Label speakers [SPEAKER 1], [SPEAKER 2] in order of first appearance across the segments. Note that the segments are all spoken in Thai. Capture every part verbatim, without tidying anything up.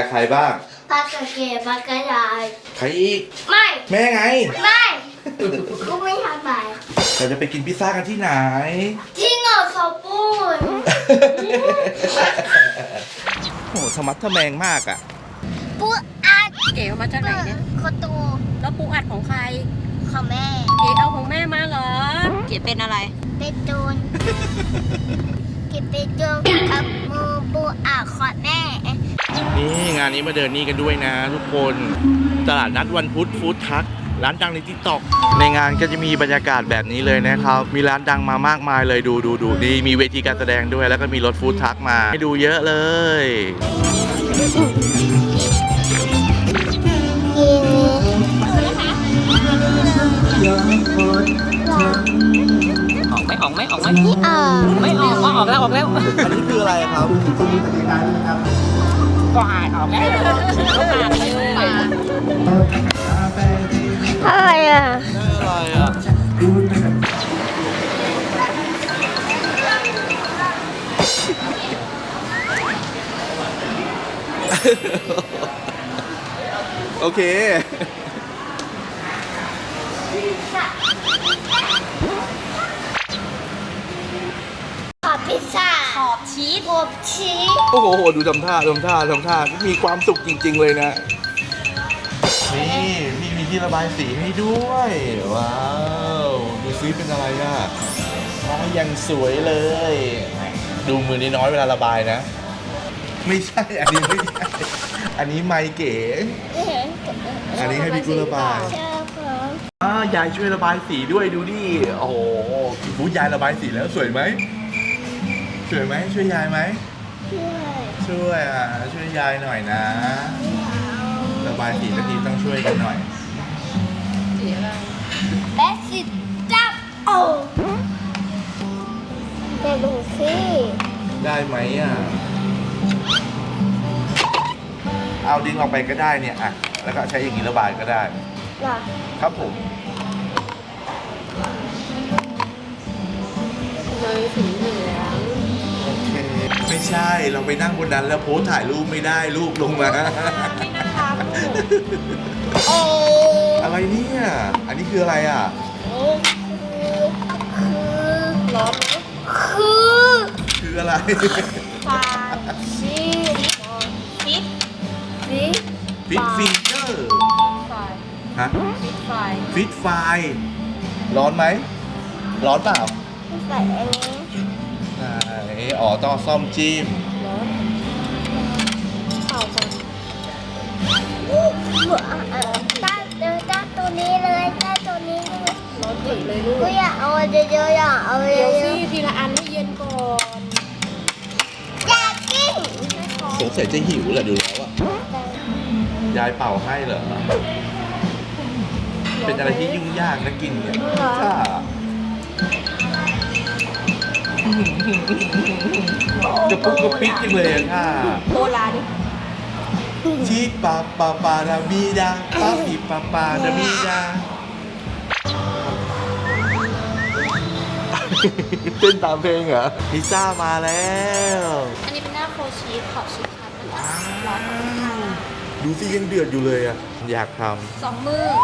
[SPEAKER 1] ใครบ้าง
[SPEAKER 2] ปลากระเกดปลากระยาย
[SPEAKER 1] ใครอีก
[SPEAKER 2] ไม่
[SPEAKER 1] แม่ไง
[SPEAKER 2] ไม่กูไม่ทำไป
[SPEAKER 1] เราจะไปกินพิซซ่ากันที่ไหน
[SPEAKER 2] ที่เงาสปูน
[SPEAKER 1] โอ้ธรรมะทะแมงมากอ่ะ
[SPEAKER 2] ปูอัด
[SPEAKER 3] เก๋เอามาจากไหนเนี่ย
[SPEAKER 2] โคตู
[SPEAKER 3] แล้วปูอัดของใคร
[SPEAKER 2] ของแม่
[SPEAKER 3] เก๋เอาของแม่มาเหรอเก๋เป็นอะไร
[SPEAKER 2] เป็นโจรเก็บเป็นโจรกับมือปูอัดของแม่
[SPEAKER 1] นี่งานนี้มาเดินนี่กันด้วยนะทุกคนตลาดนัดวันพุธฟู้ดทักร้านดังในติ๊กต็อกในงานก็จะมีบรรยากาศแบบนี้เลยนะครับมีร้านดังมามากมายเลยดูดูดูดีมีเวทีการแสดงด้วยแล้วก็มีรถฟู้ดทักมาให้ดูเยอะเลย
[SPEAKER 3] ออกไหมออกไหมออกไหมไม่ออกออกแล้วออกแล้ว
[SPEAKER 1] อันนี้คืออะไรครับ
[SPEAKER 3] กวาดออกแล้วเข้าปากเลย
[SPEAKER 2] อะไรอ่ะ
[SPEAKER 1] อะไรอ่ะโอเค
[SPEAKER 2] ขอบพิซซ่า
[SPEAKER 3] ขอบชีส
[SPEAKER 2] ขอบชีส
[SPEAKER 1] โอ้โหดูทำท่าทำท่าทำท่ามีความสุขจริงๆเลยนะนี่นี่มีที่ระบายสีให้ด้วยว้าวดูซิเป็นอะไรอ่ะอ๋อยังสวยเลยดูมือน้อยๆเวลาระบายนะไม่ใช่อันนี้ไม่ใช่อันนี้ไมค์เก๋อันนี้ให้พี่กุลระบายอ่ายายช่วยระบายสีด้วยดูดิโอ้โหบูยายระบายสีแล้วสวยไหมสวยไหมช่วยยายไหมช่วยอ่ะช่วยยายหน่อยนะระบายสีตะกี้ต้องช่วยกันหน่อย
[SPEAKER 2] แบสสิจับโอ้เดี๋ยวดูสิ
[SPEAKER 1] ได้ไหมอ่ะเอาดึงออกไปก็ได้เนี่ยอ่ะแล้วก็ใช้อย่างนี้ระบายก็ได้ครับผม
[SPEAKER 3] เลยสีเหลือง
[SPEAKER 1] โอเคไม่ใช่เราไปนั่งบนนั้นแล้วโพสถ่ายรูปไม่ได้รูปลงมา
[SPEAKER 3] ไม่น่ารัก
[SPEAKER 2] โอ้
[SPEAKER 1] อะไรเนี่ยอันนี้คืออะไรอ่ะ
[SPEAKER 2] คือร้อนคือ
[SPEAKER 1] คืออะไร
[SPEAKER 2] ฟาชีฟิตฟิต
[SPEAKER 1] ฟิตฟิงเกอร์ฮะ
[SPEAKER 3] ฟิตไฟ
[SPEAKER 1] ฟิตไฟร้อนไหมร้อนเปล่า
[SPEAKER 2] ใส่อันนี้
[SPEAKER 1] ไหนอ๋อต้องซ่อมจิ้ม
[SPEAKER 2] ร้อนเข่าก่อนตั้งเดี๋ยวตั้งตัวนี้เลยตั้งตัวนี้เลย
[SPEAKER 3] ร้อนถึงเลยลูก
[SPEAKER 2] กูอยากเอาเยอะๆอยากเอาเย
[SPEAKER 3] เดี๋ยว
[SPEAKER 2] อะ
[SPEAKER 3] สิทีละอันให้เย็นก่อน
[SPEAKER 2] อยากกิน
[SPEAKER 1] สงสัยจะหิวแหละดูแล้วอ่ะยายเป่าให้เหรอเป็นอะไรที่ยุ่งยากนะกินเนี่ยค่ะกระปุกกระปิกจังเลยอะค่ะ
[SPEAKER 3] โบราณดิ
[SPEAKER 1] ชีปาปาปาดาบีดาปาปีปาปาดาบีดาเต้นตามเพลงเหรอพิซซ่ามาแล้ว
[SPEAKER 3] อันนี้เป็นหน้าโฟชีสขอบชีสครับร้อน
[SPEAKER 1] ดูสิยังเดือดอยู่เลยอ่ะอยากท
[SPEAKER 3] ำสองมือ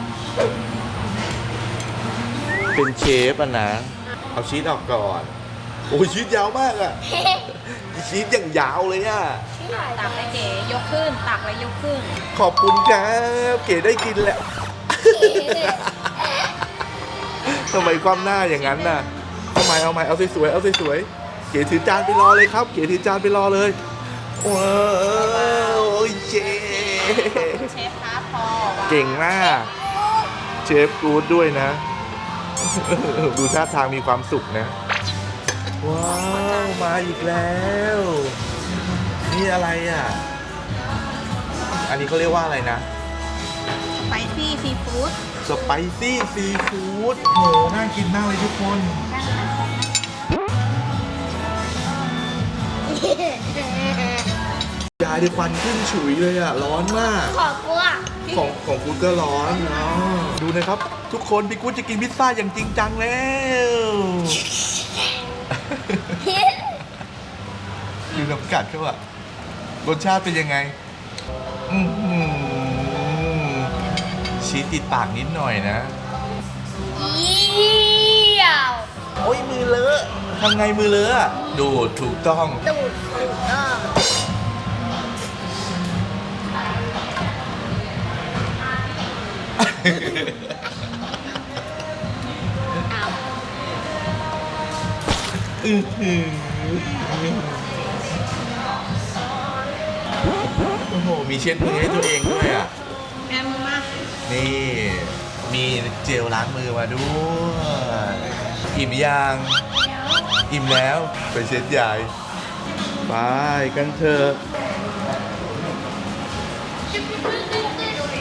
[SPEAKER 1] เป็นเชฟอ่ะนะเอาชีสออกก่อนโอ้ยชีสยาวมากอ่ะชีสอย่างยาวเลยอ่ะ
[SPEAKER 3] ตักไปเก๋ยกขึ้นตักไว้ยกขึ้น
[SPEAKER 1] ขอบคุณครับเก๋ได้กินแหละทำไมความหน้าอย่างนั้นน่ะเอาใหม่เอาใหม่เอาสวยๆเอาสวยๆเก๋ถือจานไปรอเลยครับเก๋ถือจานไปรอเลยว้าวเชฟ
[SPEAKER 3] เชฟครับพอ
[SPEAKER 1] เก่งมากเชฟกู๊ดด้วยนะดูท่าทางมีความสุขนะว้าวมาอีกแล้วนี่อะไรอ่ะอันนี้เขาเรียกว่าอะไรนะ
[SPEAKER 3] สไปซี่ซีฟู้ด
[SPEAKER 1] สไปซี่ซีฟู้ดโหน่ากินมากเลยทุกคนยายได้ควันขึ้นฉุยเลยอ่ะร้อนมาก
[SPEAKER 2] ขอบกูอ่ะ
[SPEAKER 1] ของของกูก็ร้อนอ๋อดูนะครับทุกคนพี่กูจะกินพิซซ่าอย่างจริงจังแล้วดูน้ำกัดเขาอะรสชาติเป็นยังไงอื้อหือชีสติดปากนิดหน่อยนะ
[SPEAKER 2] เยี่ยว
[SPEAKER 1] โอ้ยมือเลอะทำไงมือเลอะอะดูดถูกต้อง
[SPEAKER 2] ตูดถูกต้องเอา
[SPEAKER 1] อื้อหือโอ้โห มีเช็ดมือให้ตัวเองด้วยอ่ะ
[SPEAKER 2] แอมมา
[SPEAKER 1] นี่ มีเจลล้างมือมาด้วยอิ่มยัง อิ่มแล้ว ไปเช็ดใหญ่ ไปกันเถอะ